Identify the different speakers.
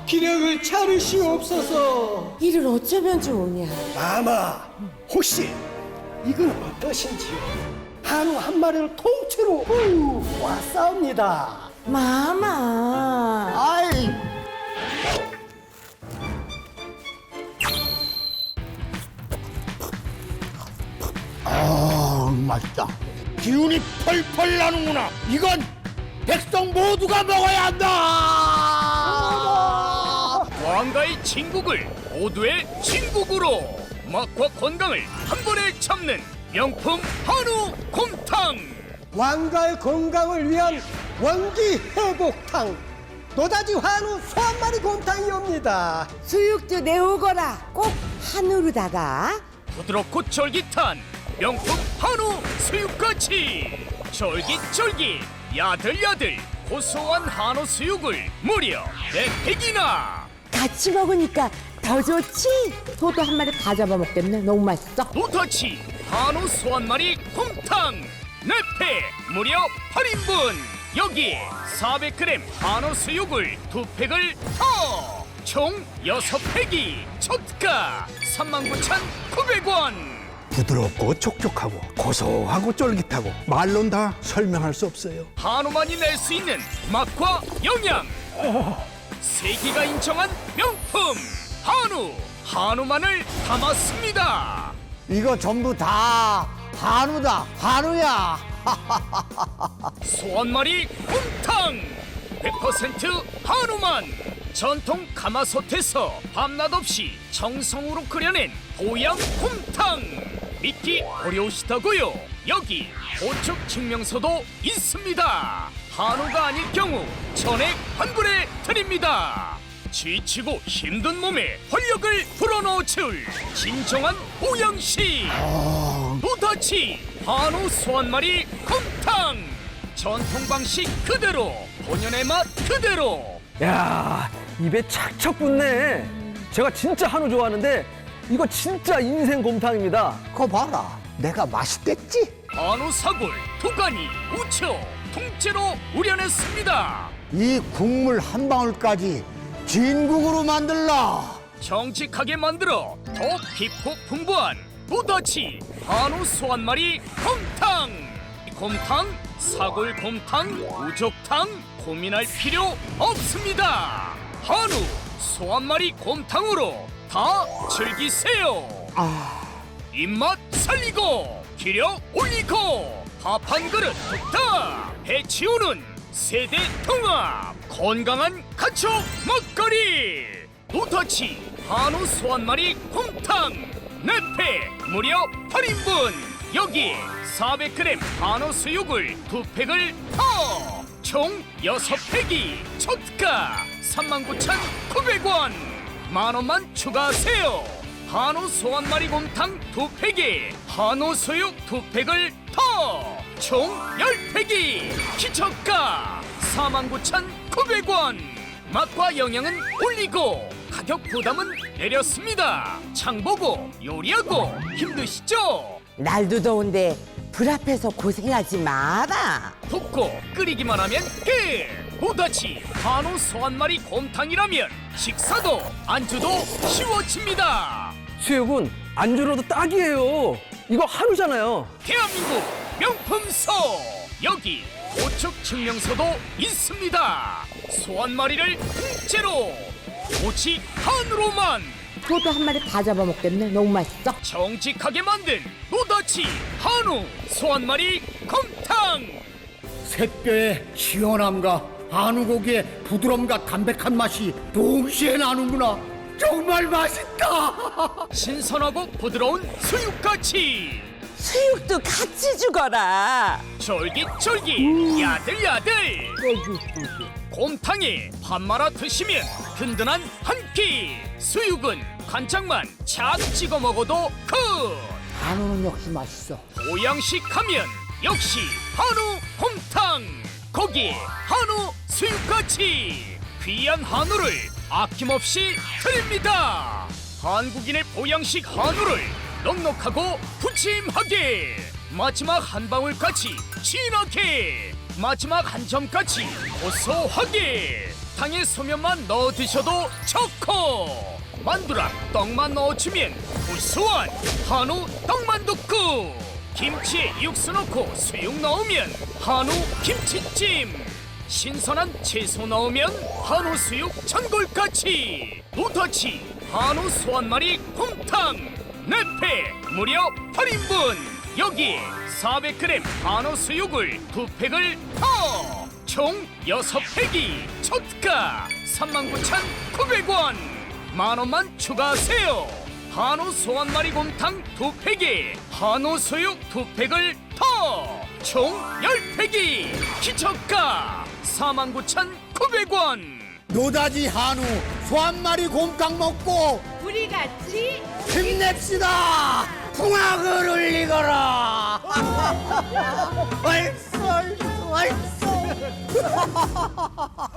Speaker 1: 기력을 차르시옵소서.
Speaker 2: 이를 어쩌면 좋으냐.
Speaker 1: 마마, 혹시 이건 어떠신지요? 한우 한 마리를 통째로 왔사옵니다.
Speaker 2: 마마.
Speaker 1: 아이,
Speaker 3: 맛있다. 기운이 펄펄 나는구나. 이건 백성 모두가 먹어야 한다.
Speaker 4: 왕가의 진국을 모두의 진국으로 맛과 건강을 한 번에 잡는 명품 한우 곰탕.
Speaker 1: 왕가의 건강을 위한 원기 회복탕. 노다지 한우 소 한 마리 곰탕이옵니다.
Speaker 2: 수육도 내오거라. 꼭 한우로다가.
Speaker 4: 부드럽고 쫄깃한 명품 한우 수육같이 쫄깃쫄깃 야들야들 고소한 한우 수육을 무려 4팩이나.
Speaker 2: 같이 먹으니까 더 좋지. 소도 한 마리 다 잡아먹겠네. 너무 맛있어.
Speaker 4: 노터치 한우 소 한 마리 곰탕 4팩 무려 8인분. 여기에 400g 한우 수육을 2팩을 더. 총 6팩이 초특가 39,900원.
Speaker 3: 부드럽고 촉촉하고 고소하고 쫄깃하고 말로는 다 설명할 수 없어요.
Speaker 4: 한우만이 낼 수 있는 맛과 영양. 세계가 인정한 명품 한우만을 담았습니다.
Speaker 3: 이거 전부 다 한우다. 한우야.
Speaker 4: 소 한 마리 곰탕 100% 한우만. 전통 가마솥에서 밤낮 없이 정성으로 끓여낸 보양 곰탕. 믿기 어려우시다고요? 여기 보축 증명서도 있습니다. 한우가 아닐 경우 전액 환불해 드립니다. 지치고 힘든 몸에 활력을 불어넣어줄 진정한 보양식 노다치 한우 소 한 마리 곰탕. 전통 방식 그대로 본연의 맛 그대로.
Speaker 5: 야, 입에 착착 붙네. 제가 진짜 한우 좋아하는데 이거 진짜 인생 곰탕입니다.
Speaker 3: 그거 봐라. 내가 맛있겠지?
Speaker 4: 한우 사골, 도가니, 우초 통째로 우려냈습니다.
Speaker 3: 이 국물 한 방울까지 진국으로 만들라.
Speaker 4: 정직하게 만들어 더 깊고 풍부한 노다치 한우 소 한 마리 곰탕. 곰탕, 사골 곰탕, 우족탕 고민할 필요 없습니다. 한우 소 한 마리 곰탕으로 다 즐기세요. 입맛 살리고 기력 올리고 밥 한 그릇 뚝딱 해치우는 세대 통합 건강한 가축 먹거리 노다치 한우 소 한 마리 곰탕 4팩 무려 8인분. 여기에 400g 한우 수육을 2팩을 더. 총 6팩이 초특가 39,900원. 만원만 추가하세요. 한우 소 한 마리 곰탕 2팩에 한우 수육 2팩을 더. 총 10팩이 기저가 49,900원. 맛과 영양은 올리고 가격 부담은 내렸습니다. 장보고 요리하고 힘드시죠?
Speaker 2: 날도 더운데 불 앞에서 고생하지 마라.
Speaker 4: 붓고 끓이기만 하면 끝! 노다치 한우 소 한 마리 곰탕이라면 식사도 안주도 쉬워집니다.
Speaker 5: 수육은 안주로도 딱이에요. 이거 한우잖아요.
Speaker 4: 대한민국 명품소 여기 보축 증명서도 있습니다. 소 한 마리를 통째로 오직 한우로만
Speaker 2: 소도 한 마리 다 잡아먹겠네. 너무 맛있어.
Speaker 4: 정직하게 만든 노다치 한우 소 한 마리 곰탕.
Speaker 3: 새뼈의 시원함과 한우고기의 부드러움과 담백한 맛이 동시에 나는구나. 정말 맛있다.
Speaker 4: 신선하고 부드러운 수육같이
Speaker 2: 수육도 같이 죽어라.
Speaker 4: 쫄깃쫄깃 야들야들 곰탕에 밥 말아 드시면 든든한 한 끼. 수육은 간장만 착 찍어 먹어도 끝.
Speaker 2: 한우는 역시 맛있어.
Speaker 4: 보양식 하면 역시 한우 곰탕. 거기에 한우 수육같이 귀한 한우를 아낌없이 드립니다. 한국인의 보양식 한우를 넉넉하고 푸짐하게 마지막 한 방울까지 진하게 마지막 한 점까지 고소하게 곰탕에 소면만 넣어 드셔도 좋고 만두랑 떡만 넣어주면 구수한 한우 떡만둣국. 김치에 육수 넣고 수육 넣으면 한우 김치찜. 신선한 채소 넣으면 한우 수육 전골까지. 노다지 한우 소 한 마리 곰탕 4팩 무려 8인분. 여기에 400g 한우 수육을 2팩을 더. 총 6팩이 초가 39,900원. 만원만 추가하세요. 한우 소 한 마리 곰탕 2팩에 한우 수육 2팩을 더. 총 10팩이 기저가 49,900원.
Speaker 3: 노다지 한우 소 한 마리 곰탕 먹고
Speaker 2: 우리 같이
Speaker 3: 힘냅시다. 풍악을 울리거라. 얼쏘 얼쏘 얼쏘.